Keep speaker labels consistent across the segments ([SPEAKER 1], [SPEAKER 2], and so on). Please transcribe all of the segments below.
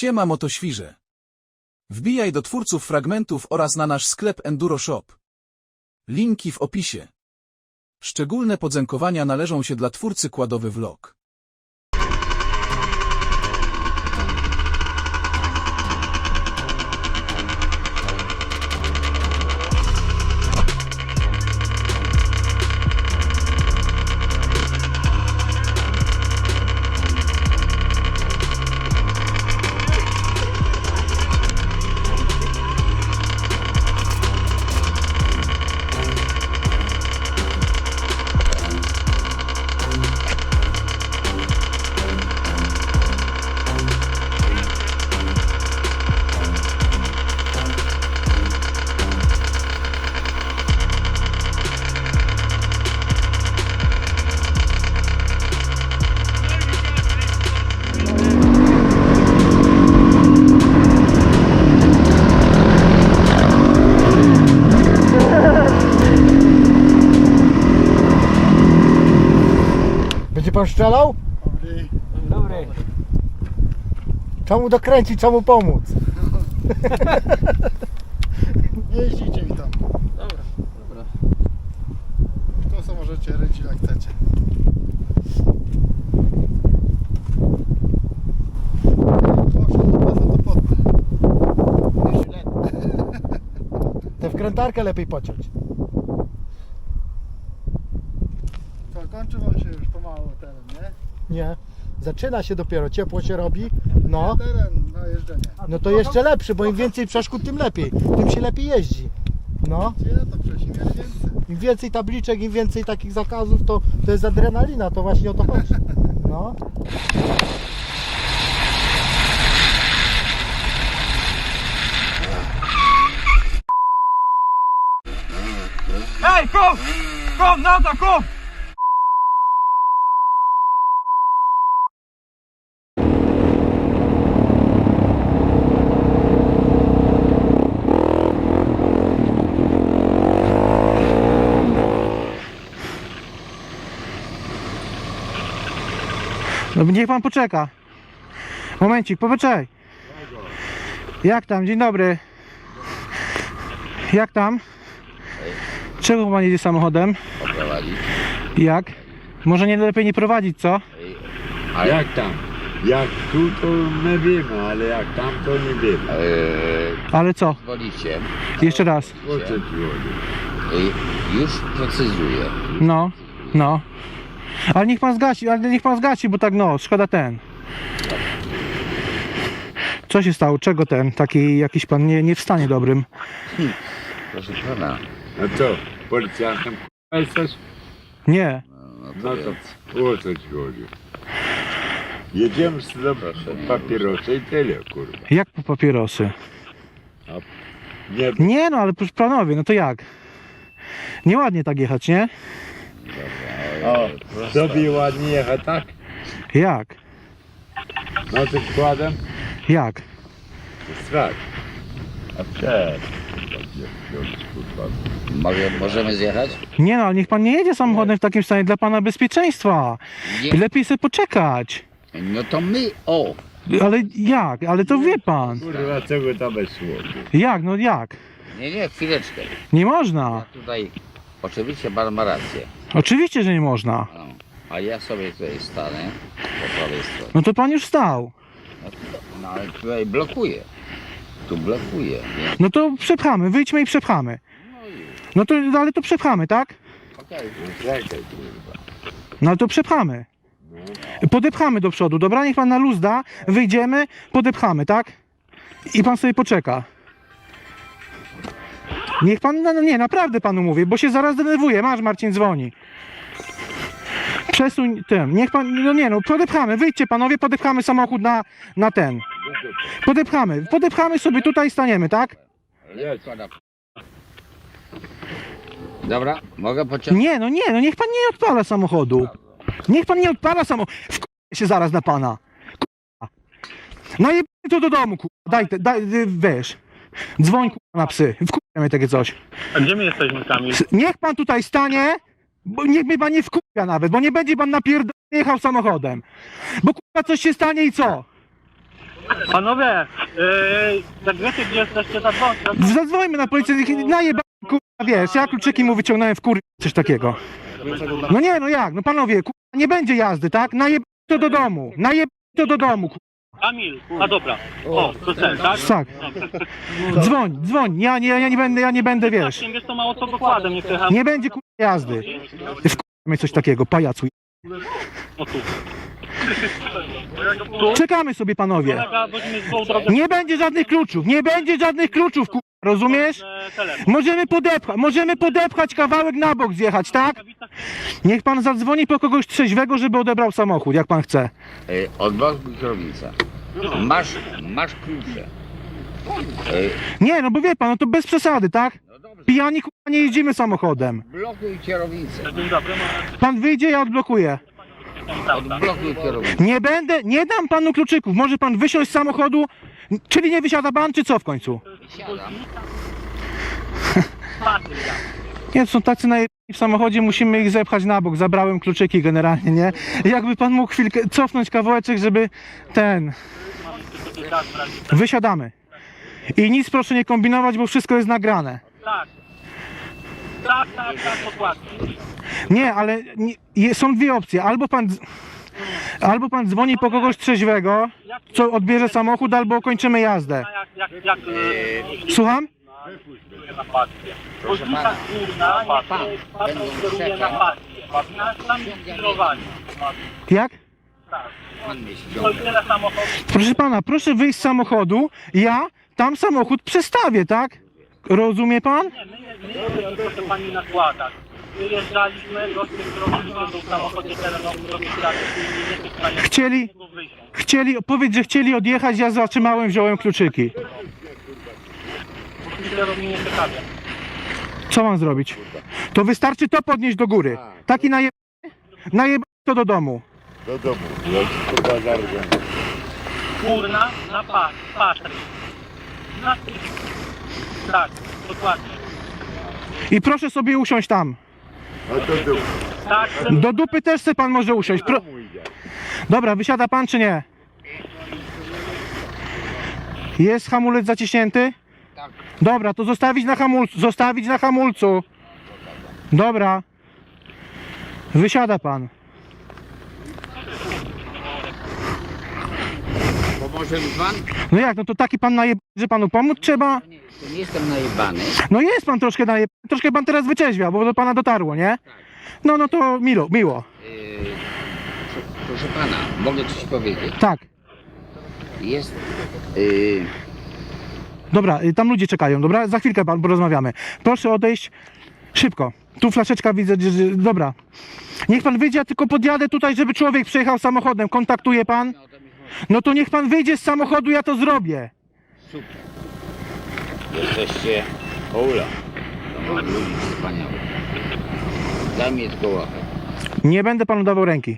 [SPEAKER 1] Siema motoświrze. Wbijaj do twórców fragmentów oraz na nasz sklep Enduro Shop. Linki w opisie. Szczególne podziękowania należą się dla twórcy Kładowy Vlog.
[SPEAKER 2] Będzie pan strzelał?
[SPEAKER 3] Dobry.
[SPEAKER 2] Czemu dokręcić, czemu pomóc?
[SPEAKER 4] Jeździcie mi tam.
[SPEAKER 3] Dobra.
[SPEAKER 4] To co możecie ryć jak chcecie. Proszę, to bardzo to potnę.
[SPEAKER 2] Tę wkrętarkę lepiej pociąć.
[SPEAKER 4] To kończy wam się już pomału teren, nie?
[SPEAKER 2] Nie. Zaczyna się dopiero, ciepło się robi. No.
[SPEAKER 4] Teren na jeżdżenie.
[SPEAKER 2] No to jeszcze lepszy, bo im więcej przeszkód, tym lepiej. Tym się lepiej jeździ. No.
[SPEAKER 4] Gdzie to przecież im więcej.
[SPEAKER 2] Im więcej tabliczek, im więcej takich zakazów, to jest adrenalina, to właśnie o to chodzi. No.
[SPEAKER 3] Ej, kom! Kom, na to, kom!
[SPEAKER 5] No niech pan poczeka. Momencik, poczekaj. Jak tam? Dzień dobry. Jak tam? Czego pan jedzie samochodem?
[SPEAKER 6] Prowadzić.
[SPEAKER 5] Jak? Może nie lepiej nie prowadzić, co?
[SPEAKER 6] A
[SPEAKER 7] Jak tam? Jak tu to my wiemy, ale jak tam to nie wiemy.
[SPEAKER 5] Ale co?
[SPEAKER 6] Wolicie,
[SPEAKER 5] Jeszcze raz.
[SPEAKER 7] O co ci chodzi?
[SPEAKER 6] już precyzuję.
[SPEAKER 5] No, no. Ale niech pan zgasi, bo tak no, szkoda ten. Co się stało? Czego ten? Taki jakiś pan nie w stanie dobrym.
[SPEAKER 6] Proszę pana,
[SPEAKER 7] A co? Policjantem jesteś?
[SPEAKER 5] Nie.
[SPEAKER 7] No to o co ci chodzi? Jedziemy z do papierosy i tyle, kurwa.
[SPEAKER 5] Jak po papierosy?
[SPEAKER 7] Nie,
[SPEAKER 5] Nie no, ale proszę panowie, no to jak? Nieładnie tak jechać, nie?
[SPEAKER 7] o, sobie ładnie jechać, tak?
[SPEAKER 5] Jak?
[SPEAKER 7] No to składem?
[SPEAKER 5] Jak?
[SPEAKER 7] Strach. A cześć.
[SPEAKER 6] możemy zjechać?
[SPEAKER 5] Nie no, ale niech pan nie jedzie samochodem w takim stanie dla pana bezpieczeństwa.
[SPEAKER 6] Nie.
[SPEAKER 5] Lepiej sobie poczekać.
[SPEAKER 6] No to my,
[SPEAKER 5] Ale jak? Ale to wie pan.
[SPEAKER 7] Kurwa, czego tam jest słowo?
[SPEAKER 5] Jak? No jak?
[SPEAKER 6] nie, chwileczkę.
[SPEAKER 5] Nie
[SPEAKER 6] Ja
[SPEAKER 5] można.
[SPEAKER 6] tutaj, oczywiście pan ma rację,
[SPEAKER 5] Oczywiście, że nie można.
[SPEAKER 6] no, a ja sobie tutaj stanę po prawej stronie.
[SPEAKER 5] No to pan już stał.
[SPEAKER 6] No ale tutaj blokuję. Tu blokuję, nie?
[SPEAKER 5] No to przepchamy, wyjdźmy i przepchamy. No to, ale to przepchamy, tak?
[SPEAKER 6] Okej.
[SPEAKER 7] Czekaj, kurwa.
[SPEAKER 5] No ale to przepchamy. Podepchamy do przodu, dobra? Niech pan na luz da, wyjdziemy, podepchamy, tak? I pan sobie poczeka. Niech pan, no nie, naprawdę panu mówię, bo się zaraz denerwuje. Masz, Marcin dzwoni. Przesuń tym, niech pan, no nie no, podepchamy, wyjdźcie panowie, podepchamy samochód na ten. Podepchamy sobie tutaj, staniemy, tak?
[SPEAKER 6] Dobra, mogę pociągnąć?
[SPEAKER 5] Nie, no niech pan nie odpala samochodu. Niech pan nie odpala samochodu. Wkurwię się zaraz na pana. Kurwa. No i to do domu, kurwa. Daj, weź. Dzwoń, kurwa, na psy. Wkurwia mnie takie coś.
[SPEAKER 3] A gdzie my jesteśmy, Kamil?
[SPEAKER 5] Niech pan tutaj stanie, bo niech mnie pan nie wkurwia nawet, bo nie będzie pan jechał samochodem. Bo kurwa coś się stanie i co?
[SPEAKER 3] Panowie, jak wiecie gdzie jesteście, zadzwońcie.
[SPEAKER 5] Zadzwońmy na policję, najeba, kurwa, wiesz, ja kluczyki mu wyciągnąłem w kur... coś takiego. No nie, no jak, no panowie, kurwa, nie będzie jazdy, tak? Najeb to do domu, najeb to do domu, kurwa.
[SPEAKER 3] Kamil, a dobra. O, to ten, tak?
[SPEAKER 5] Tak. Dzwoń, ja nie będę, wiesz.
[SPEAKER 3] Wiesz, to mało co dokładem, nie przejechałem.
[SPEAKER 5] Nie będzie kurwa jazdy. Wkurwamy coś takiego, pajacu.
[SPEAKER 3] O tu.
[SPEAKER 5] Czekamy sobie, panowie.
[SPEAKER 3] Kolega, weźmy złą drogę.
[SPEAKER 5] Nie będzie żadnych kluczów, kurwa, rozumiesz?
[SPEAKER 3] Telefon.
[SPEAKER 5] Możemy podepchać kawałek na bok, zjechać, tak? Niech pan zadzwoni po kogoś trzeźwego, żeby odebrał samochód, jak pan chce.
[SPEAKER 6] Odblokuj kierownicę. Masz klucze.
[SPEAKER 5] Nie, no bo wie pan, no to bez przesady, tak?
[SPEAKER 6] No dobrze,
[SPEAKER 5] Pijani, kurwa, nie jeździmy samochodem.
[SPEAKER 6] blokuj kierownicę.
[SPEAKER 3] Dzień dobry,
[SPEAKER 5] Pan wyjdzie, ja odblokuję.
[SPEAKER 6] Odblokuj kierownicę.
[SPEAKER 5] Nie dam panu kluczyków. Może pan wysiąść z samochodu, czyli nie wysiada pan, czy co w końcu?
[SPEAKER 6] Siadam.
[SPEAKER 5] Nie, to są tacy w samochodzie, musimy ich zepchać na bok. Zabrałem kluczyki generalnie, nie? Jakby pan mógł chwilkę cofnąć kawałeczek, żeby Wysiadamy. I nic proszę nie kombinować, bo wszystko jest nagrane.
[SPEAKER 3] tak, dokładnie.
[SPEAKER 5] Nie, ale są dwie opcje. Albo pan dzwoni po kogoś trzeźwego, co odbierze samochód, albo kończymy jazdę.
[SPEAKER 3] Jak
[SPEAKER 5] Słucham?
[SPEAKER 6] Proszę pana,
[SPEAKER 3] będą kieruje na pasję. Tam jest kierowanie.
[SPEAKER 5] Jak?
[SPEAKER 6] pan mnie
[SPEAKER 3] To
[SPEAKER 6] ściąga.
[SPEAKER 3] tyle samochodów.
[SPEAKER 5] Proszę pana, proszę wyjść z samochodu, ja tam samochód przestawię, tak? Rozumie pan?
[SPEAKER 3] My proszę pani nakładać. Wyjeżdżaliśmy, goście, którzy był w samochodzie terenowym,
[SPEAKER 5] Powiedz, że chcieli odjechać, ja zatrzymałem, wziąłem kluczyki.
[SPEAKER 3] kierownik nie ciekawie.
[SPEAKER 5] Co mam zrobić? To wystarczy to podnieść do góry. Taki najeb to do domu.
[SPEAKER 7] Do domu. Do bazarku.
[SPEAKER 3] Kurna na patry. Tak, dokładnie.
[SPEAKER 5] I proszę sobie usiąść tam.
[SPEAKER 7] No to do
[SPEAKER 3] Tak,
[SPEAKER 5] Do dupy też se pan może usiąść.
[SPEAKER 7] domu idzie.
[SPEAKER 5] Dobra, wysiada pan czy nie? Jest hamulec zaciśnięty?
[SPEAKER 6] Tak.
[SPEAKER 5] Dobra, to zostawić na hamulcu. Dobra. Wysiada pan.
[SPEAKER 6] Pomoże mi pan?
[SPEAKER 5] No jak, no to taki pan że panu pomóc trzeba?
[SPEAKER 6] To nie jestem najebany.
[SPEAKER 5] No jest pan troszkę pan teraz wyczeźwiał, bo do pana dotarło, nie? No to miło.
[SPEAKER 6] Proszę pana, mogę coś powiedzieć.
[SPEAKER 5] Tak.
[SPEAKER 6] Jest...
[SPEAKER 5] Dobra, tam ludzie czekają, dobra? Za chwilkę pan porozmawiamy. Proszę odejść szybko. Tu flaszeczka widzę, dobra. Niech pan wyjdzie, ja tylko podjadę tutaj, żeby człowiek przejechał samochodem. Kontaktuje pan? No to niech pan wyjdzie z samochodu, ja to zrobię.
[SPEAKER 6] Super. Jesteście Ola. To mam ludzi wspaniałych. Daj mi tylko łapę.
[SPEAKER 5] Nie będę panu dawał ręki.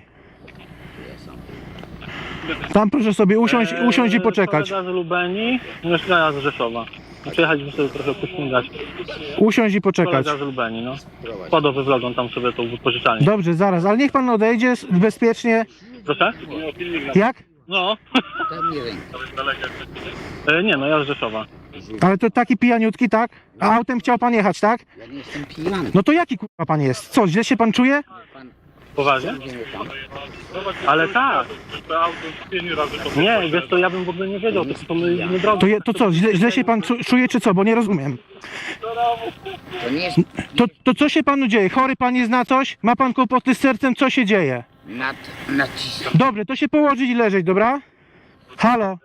[SPEAKER 5] Tam proszę sobie usiąść i poczekać.
[SPEAKER 3] Kolega z Lubeni, mieszkania z Rzeszowa. Przyjechaliśmy sobie trochę pośmigać.
[SPEAKER 5] Usiąść i poczekać.
[SPEAKER 3] Kolega z Lubeni, no. Składowy wlodzą tam sobie tą wypożyczalnię.
[SPEAKER 5] Dobrze, zaraz, ale niech pan odejdzie bezpiecznie.
[SPEAKER 3] Proszę?
[SPEAKER 5] Jak?
[SPEAKER 3] No.
[SPEAKER 6] Daj mi rękę.
[SPEAKER 3] Nie no, ja z Rzeszowa.
[SPEAKER 5] Ale to taki pijaniutki, tak? A autem chciał pan jechać, tak?
[SPEAKER 6] Ja nie jestem pijany.
[SPEAKER 5] No to jaki kurwa pan jest? Co, źle się pan czuje?
[SPEAKER 6] Pan
[SPEAKER 3] Poważnie?
[SPEAKER 6] idziemy tam.
[SPEAKER 3] Ale tak. Nie, wiesz to ja bym w ogóle nie wiedział, to my nie drogą.
[SPEAKER 5] To co, źle się pan czuje czy co? Bo nie rozumiem.
[SPEAKER 6] To nie jest
[SPEAKER 5] To co się panu dzieje? Chory pan jest na coś? Ma pan kłopoty z sercem? Co się dzieje?
[SPEAKER 6] nacisk.
[SPEAKER 5] Dobrze, to się położyć i leżeć, dobra? Halo?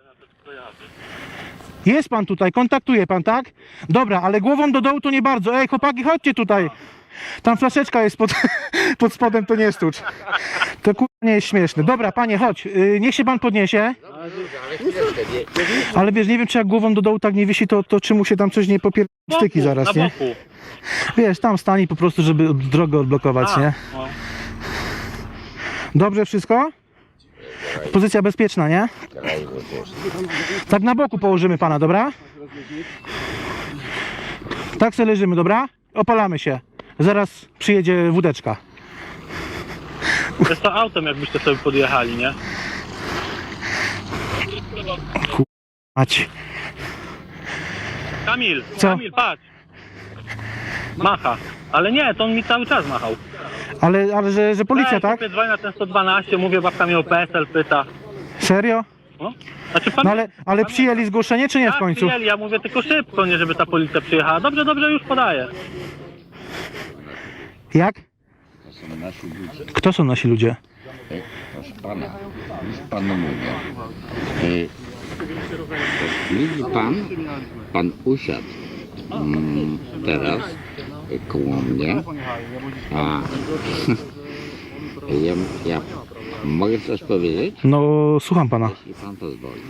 [SPEAKER 5] Jest pan tutaj, kontaktuje pan, tak? Dobra, ale głową do dołu to nie bardzo. Ej, chłopaki, chodźcie tutaj. Tam flaszeczka jest pod spodem, to nie stucz. To kurwa nie jest śmieszne. Dobra, panie, chodź. Niech się pan podniesie.
[SPEAKER 6] Ale chwileczkę, nie.
[SPEAKER 5] Ale wiesz, nie wiem, czy jak głową do dołu tak nie wisi, to czy mu się tam coś nie styki zaraz,
[SPEAKER 3] Na
[SPEAKER 5] nie?
[SPEAKER 3] boku.
[SPEAKER 5] Wiesz, tam stani po prostu, żeby drogę odblokować, nie?
[SPEAKER 3] No.
[SPEAKER 5] Dobrze wszystko? Pozycja bezpieczna, nie?
[SPEAKER 6] Kraj też.
[SPEAKER 5] Tak na boku położymy pana, dobra? Tak se leżymy, dobra? Opalamy się. Zaraz przyjedzie wódeczka.
[SPEAKER 3] Jest to autem, jakbyście sobie podjechali, nie?
[SPEAKER 5] Mać.
[SPEAKER 3] Kamil,
[SPEAKER 5] Co?
[SPEAKER 3] Kamil, patrz. Macha. Ale nie, to on mi cały czas machał.
[SPEAKER 5] Ale że policja, tak?
[SPEAKER 3] Ej, dzwonię na ten 112, mówię, babka mnie o PSL pyta.
[SPEAKER 5] Serio?
[SPEAKER 3] No, znaczy, pan...
[SPEAKER 5] No ale przyjęli zgłoszenie, czy nie w końcu?
[SPEAKER 3] Przyjęli, ja mówię tylko szybko, nie żeby ta policja przyjechała. Dobrze, dobrze, już podaję.
[SPEAKER 5] Jak?
[SPEAKER 6] To są nasi ludzie.
[SPEAKER 5] Kto są nasi ludzie?
[SPEAKER 6] Proszę pana, już panu mówię. Widzi pan usiadł teraz koło mnie, a ja mogę coś powiedzieć?
[SPEAKER 5] No, słucham pana.
[SPEAKER 6] Jeśli pan pozwoli.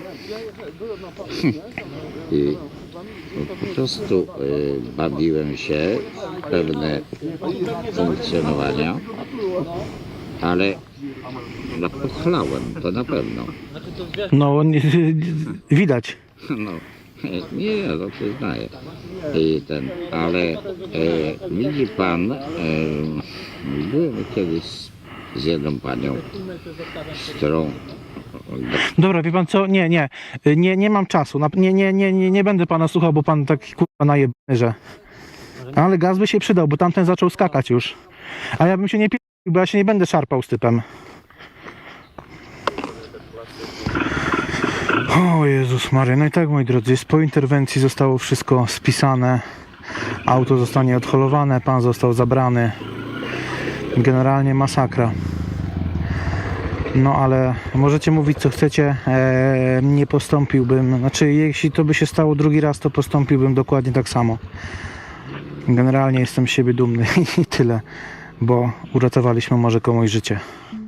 [SPEAKER 6] I po prostu bawiłem się w pewne funkcjonowania, ale no, pochlałem, to na pewno.
[SPEAKER 5] No, widać.
[SPEAKER 6] No, nie, ja to przyznaję. Ale widzi pan, byłem kiedyś z jedną panią, z którą
[SPEAKER 5] Dobra, wie pan co? Nie mam czasu. Nie będę pana słuchał, bo pan taki kurwa najebany, że... Ale gaz by się przydał, bo tamten zaczął skakać już. A ja bym się nie pił, bo ja się nie będę szarpał z typem. O Jezus Maria, no i tak moi drodzy, po interwencji zostało wszystko spisane. Auto zostanie odholowane, pan został zabrany. Generalnie masakra. No ale możecie mówić co chcecie, nie postąpiłbym, znaczy jeśli to by się stało drugi raz, to postąpiłbym dokładnie tak samo. Generalnie jestem z siebie dumny i tyle, bo uratowaliśmy może komuś życie.